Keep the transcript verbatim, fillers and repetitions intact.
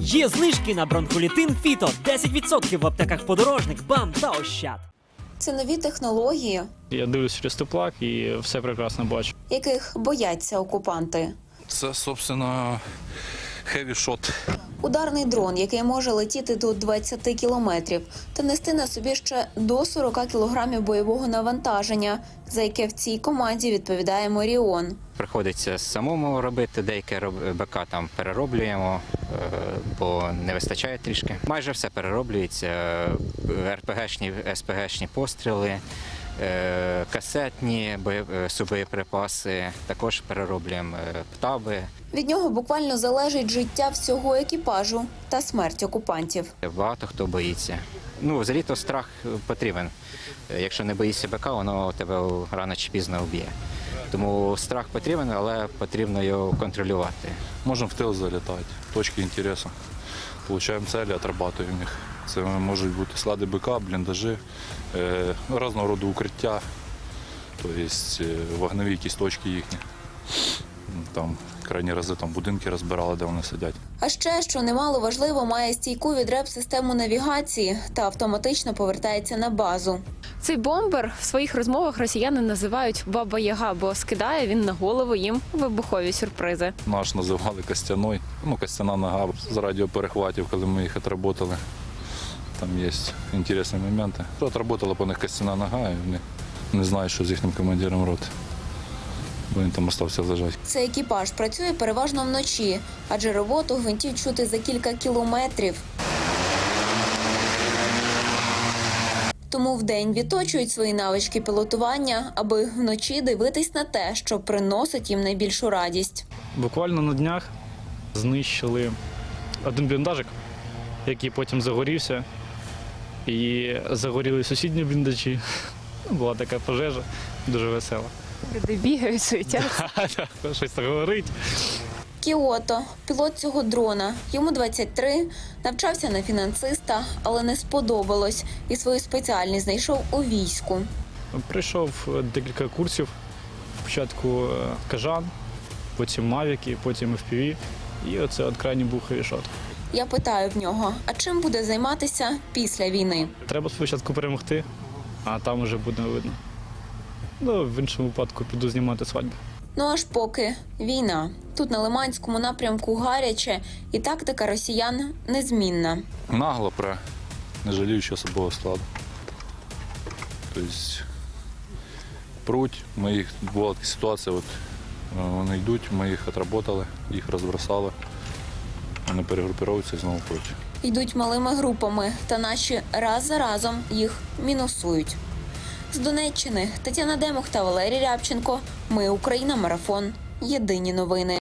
Є знижки на бронхолітин Фіто. десять відсотків в аптеках Подорожник, БАМ та Ощад. Це нові технології, Я дивлюсь через теплак і все прекрасно бачу. яких бояться окупанти. Це, собственно, heavy shot. Ударний дрон, який може летіти до двадцяти кілометрів та нести на собі ще до сорока кілограмів бойового навантаження, за яке в цій команді відповідає Моріон. Приходиться самому робити, деяке БК там перероблюємо, бо не вистачає трішки. Майже все перероблюється, РПГшні, СПГшні постріли, касетні субоєприпаси, також перероблюємо птаби. Від нього буквально залежить життя всього екіпажу та смерть окупантів. Багато хто боїться. Ну, взагалі-то страх потрібен. Якщо не боїшся БК, воно тебе рано чи пізно вб'є. Тому страх потрібен, але потрібно його контролювати. Можемо в тил залітати, точки інтересу. Получаємо цілі, отрабатуємо їх. Це можуть бути склади БК, бліндажі, е, різного роду укриття, тобто вогневі якісь точки їхні. Там крайні рази там будинки розбирали, де вони сидять. А ще, що немало важливо, має стійку від реп-систему навігації та автоматично повертається на базу. Цей бомбер в своїх розмовах росіяни називають «Баба Яга», бо скидає він на голову їм вибухові сюрпризи. Наш називали Костяной, ну, Костяна нога з радіоперехватів, коли ми їх отработали. Там є цікаві моменти. Отработала по них Костяна нога, і вони не знають, що з їхнім командиром роти. Бо він там залишився лежати. Цей екіпаж працює переважно вночі, адже роботу гвинтів чути за кілька кілометрів. Тому вдень відточують свої навички пілотування, аби вночі дивитись на те, що приносить їм найбільшу радість. Буквально на днях знищили один бліндажик, який потім загорівся. І загоріли сусідні бліндажі. Була така пожежа, дуже весела. Люди бігають, суетяться. Щось так говорить. Кіото – пілот цього дрона. Йому двадцять три, навчався на фінансиста, але не сподобалось і свою спеціальність знайшов у війську. Прийшов декілька курсів. Спочатку кажан, потім мавіки, потім еф пі ві. І оце от крайній був хевішот. Я питаю в нього, а чим буде займатися після війни? Треба спочатку перемогти, а там вже буде видно. Ну, в іншому випадку піду знімати свадьбу. Ну аж поки війна. Тут на Лиманському напрямку гаряче, і тактика росіян незмінна. Нагло пре, не жаліючи особового складу. Тобто пруть, ми їх, була така ситуація, от, вони йдуть, ми їх отработали, їх розбросали, вони перегрупіруються і знову пруть. Йдуть малими групами, та наші раз за разом їх мінусують. З Донеччини Тетяна Демух та Валерій Рябченко. Ми Україна. Марафон. Єдині новини.